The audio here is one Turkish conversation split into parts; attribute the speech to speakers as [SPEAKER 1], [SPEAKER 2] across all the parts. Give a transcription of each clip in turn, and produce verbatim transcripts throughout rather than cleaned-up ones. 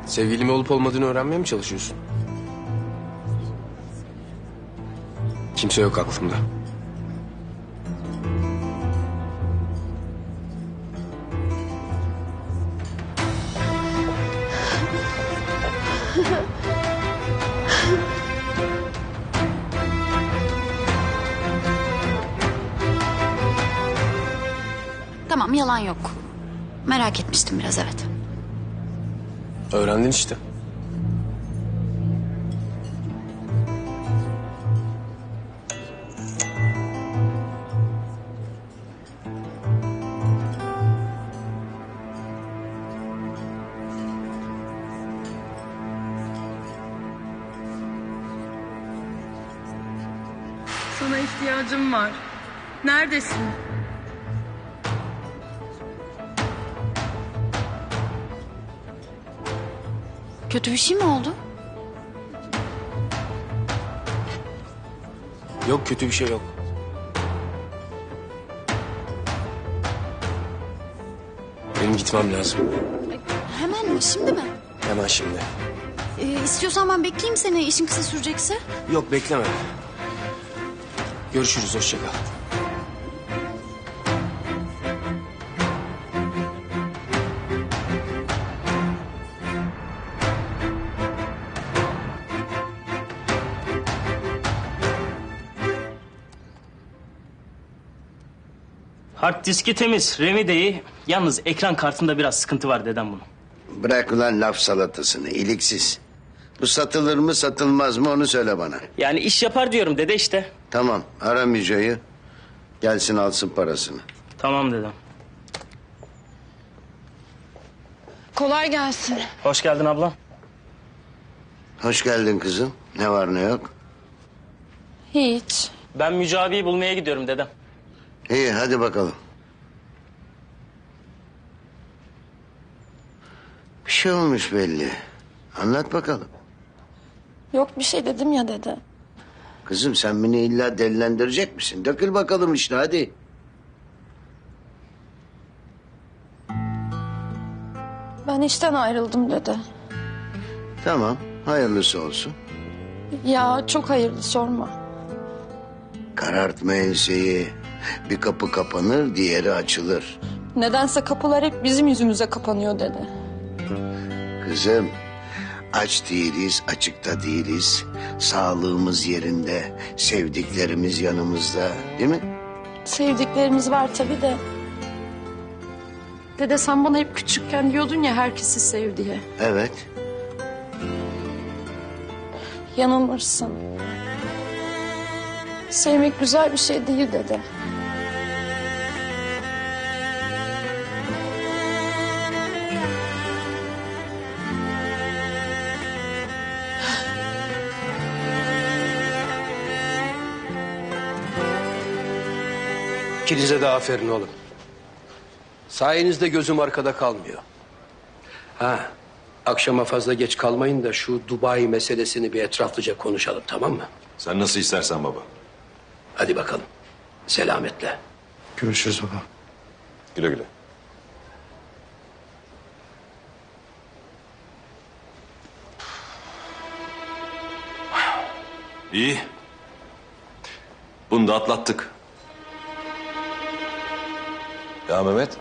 [SPEAKER 1] Sevgilim olup olmadığını öğrenmeye mi çalışıyorsun? Kimse yok aklımda.
[SPEAKER 2] Tamam, yalan yok. Merak etmiştim biraz, evet.
[SPEAKER 1] Öğrendin işte.
[SPEAKER 3] Sana ihtiyacım var. Neredesin?
[SPEAKER 2] Kötü bir şey mi oldu?
[SPEAKER 1] Yok, kötü bir şey yok. Benim gitmem lazım.
[SPEAKER 2] Hemen mi, şimdi mi?
[SPEAKER 1] Hemen şimdi.
[SPEAKER 2] Ee, istiyorsan ben bekleyeyim seni, işin kısa sürecekse.
[SPEAKER 1] Yok, bekleme. Görüşürüz, hoşça kal.
[SPEAKER 4] Hard diski temiz, RAM'i de iyi. Yalnız ekran kartında biraz sıkıntı var dedem bunun.
[SPEAKER 5] Bırak ulan laf salatasını, iliksiz. Bu satılır mı satılmaz mı onu söyle bana.
[SPEAKER 4] Yani iş yapar diyorum dede işte.
[SPEAKER 5] Tamam, ara Müjde'yi. Gelsin alsın parasını.
[SPEAKER 4] Tamam dedem.
[SPEAKER 3] Kolay gelsin.
[SPEAKER 4] Hoş geldin ablam.
[SPEAKER 5] Hoş geldin kızım. Ne var ne yok.
[SPEAKER 3] Hiç.
[SPEAKER 4] Ben Müce abiyi bulmaya gidiyorum dedem.
[SPEAKER 5] İyi, hadi bakalım. Bir şey olmuş belli. Anlat bakalım.
[SPEAKER 3] Yok bir şey dedim ya dede.
[SPEAKER 5] Kızım sen beni illa delilendirecek misin? Dökül bakalım işte hadi.
[SPEAKER 3] Ben işten ayrıldım dede.
[SPEAKER 5] Tamam, hayırlısı olsun.
[SPEAKER 3] Ya çok hayırlı, sorma.
[SPEAKER 5] Karartma enseyi. Bir kapı kapanır, diğeri açılır.
[SPEAKER 3] Nedense kapılar hep bizim yüzümüze kapanıyor dede.
[SPEAKER 5] Kızım, aç değiliz, açıkta değiliz. Sağlığımız yerinde, sevdiklerimiz yanımızda, değil mi?
[SPEAKER 3] Sevdiklerimiz var tabii de. Dede sen bana hep küçükken diyordun ya herkesi sev diye.
[SPEAKER 5] Evet.
[SPEAKER 3] Yanılmışsın. Sevmek güzel bir şey değil dede.
[SPEAKER 6] İkinize de aferin oğlum. Sayenizde gözüm arkada kalmıyor. Ha, akşama fazla geç kalmayın da şu Dubai meselesini bir etraflıca konuşalım, tamam mı?
[SPEAKER 7] Sen nasıl istersen baba.
[SPEAKER 6] Hadi bakalım. Selametle.
[SPEAKER 1] Görüşürüz baba.
[SPEAKER 7] Güle güle. İyi. Bunu da atlattık. Ya Mehmet.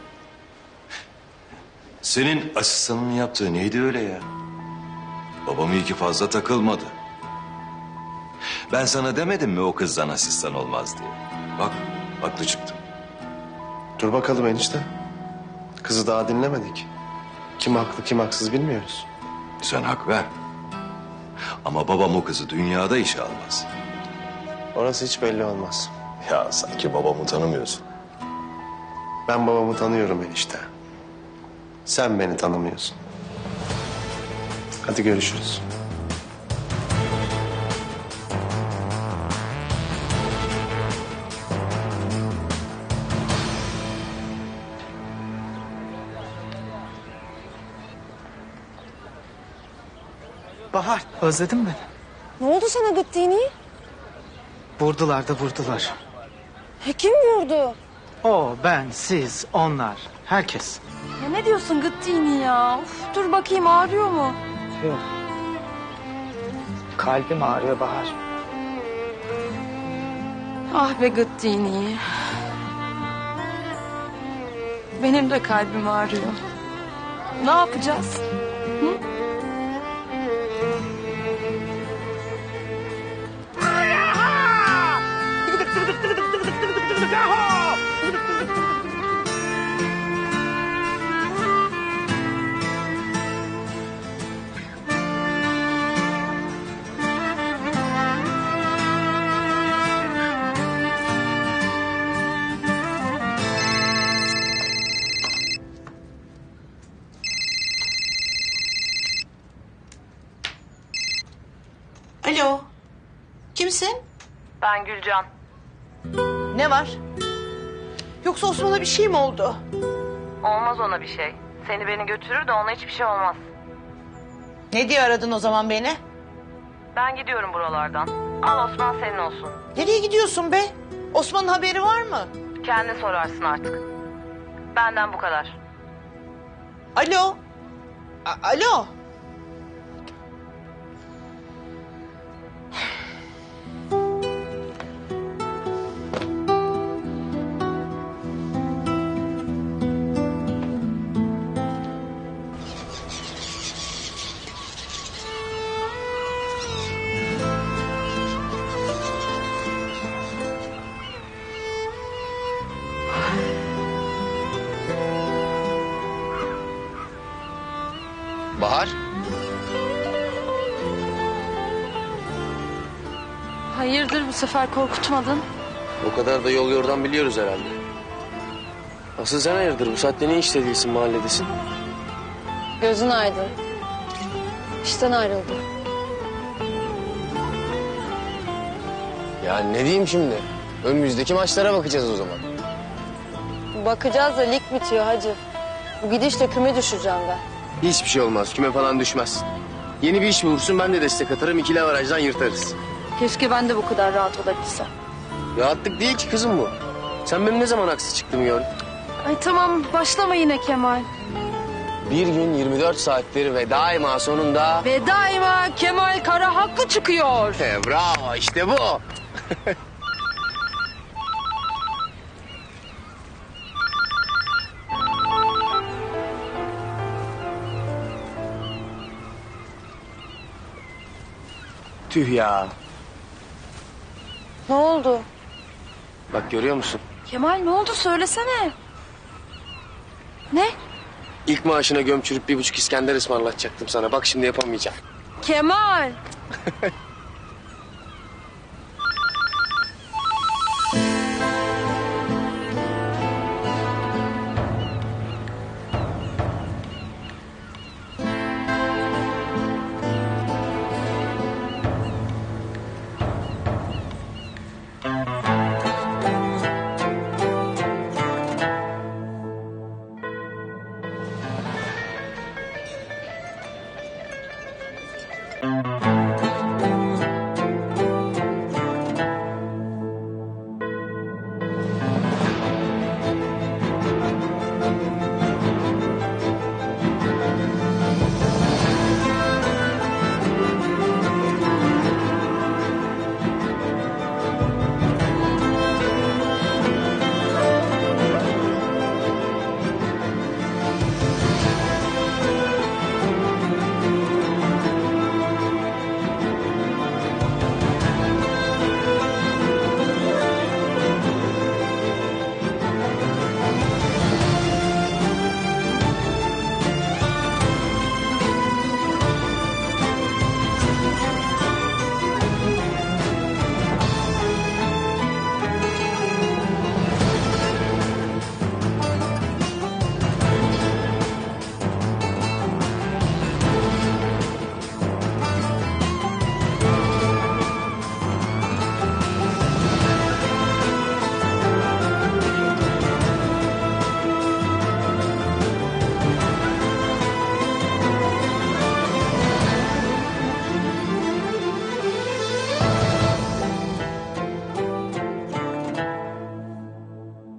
[SPEAKER 7] Senin asistanın yaptığı neydi öyle ya? Babam iyi ki fazla takılmadı. Ben sana demedim mi o kızdan asistan olmaz diye? Bak, haklı çıktım.
[SPEAKER 8] Dur bakalım enişte. Kızı daha dinlemedik. Kim haklı kim haksız bilmiyoruz.
[SPEAKER 7] Sen hak ver. Ama babam o kızı dünyada işe almaz.
[SPEAKER 8] Orası hiç belli olmaz.
[SPEAKER 7] Ya sanki babamı tanımıyorsun.
[SPEAKER 8] Ben babamı tanıyorum enişte. Sen beni tanımıyorsun. Hadi görüşürüz.
[SPEAKER 9] Bahar, özledin beni.
[SPEAKER 10] Ne oldu sana gittiğini?
[SPEAKER 9] Vurdular da vurdular.
[SPEAKER 10] He, kim vurdu?
[SPEAKER 9] O, ben, siz, onlar, herkes.
[SPEAKER 10] Ya ne diyorsun gittiğini ya? Uf, dur bakayım ağrıyor mu?
[SPEAKER 9] Yok. Kalbim ağrıyor Bahar.
[SPEAKER 3] Ah be Gıddini. Benim de kalbim ağrıyor. Ne yapacağız?
[SPEAKER 11] Alo. Kimsin?
[SPEAKER 12] Ben Gülcan.
[SPEAKER 11] Ne var? Yoksa Osman'a bir şey mi oldu?
[SPEAKER 12] Olmaz ona bir şey. Seni beni götürür de ona hiçbir şey olmaz.
[SPEAKER 11] Ne diye aradın o zaman beni?
[SPEAKER 12] Ben gidiyorum buralardan. Al Osman senin olsun.
[SPEAKER 11] Nereye gidiyorsun be? Osman'ın haberi var mı?
[SPEAKER 12] Kendin sorarsın artık. Benden bu kadar.
[SPEAKER 11] Alo. A- Alo.
[SPEAKER 1] Bahar.
[SPEAKER 3] Hayırdır bu sefer korkutmadın?
[SPEAKER 1] O kadar da yol yordan biliyoruz herhalde. Asıl sen hayırdır? Bu saatte ne işte değilsin, mahalledesin?
[SPEAKER 10] Gözün aydın. İşten ayrıldı.
[SPEAKER 1] Ya ne diyeyim şimdi? Önümüzdeki maçlara bakacağız o zaman.
[SPEAKER 10] Bakacağız da lig bitiyor hacı. Bu gidişle küme düşeceğim ben.
[SPEAKER 1] Hiçbir şey olmaz. Küme falan düşmez. Yeni bir iş bulursun, ben de destek atarım. İkili avarajdan yırtarız.
[SPEAKER 3] Keşke ben de bu kadar rahat olabilsem.
[SPEAKER 1] Rahatlık değil ki kızım bu. Sen benim ne zaman haksız çıktığımı gördün.
[SPEAKER 3] Ay tamam başlama yine Kemal.
[SPEAKER 1] Bir gün yirmi dört saattir ve daima sonunda...
[SPEAKER 3] Ve daima Kemal Kara haklı çıkıyor.
[SPEAKER 1] He, bravo, işte bu. Tüh ya.
[SPEAKER 10] Ne oldu?
[SPEAKER 1] Bak görüyor musun?
[SPEAKER 3] Kemal ne oldu söylesene. Ne?
[SPEAKER 1] İlk maaşına gömçürüp bir buçuk İskender ısmarlatacaktım sana. Bak şimdi yapamayacağım.
[SPEAKER 3] Kemal.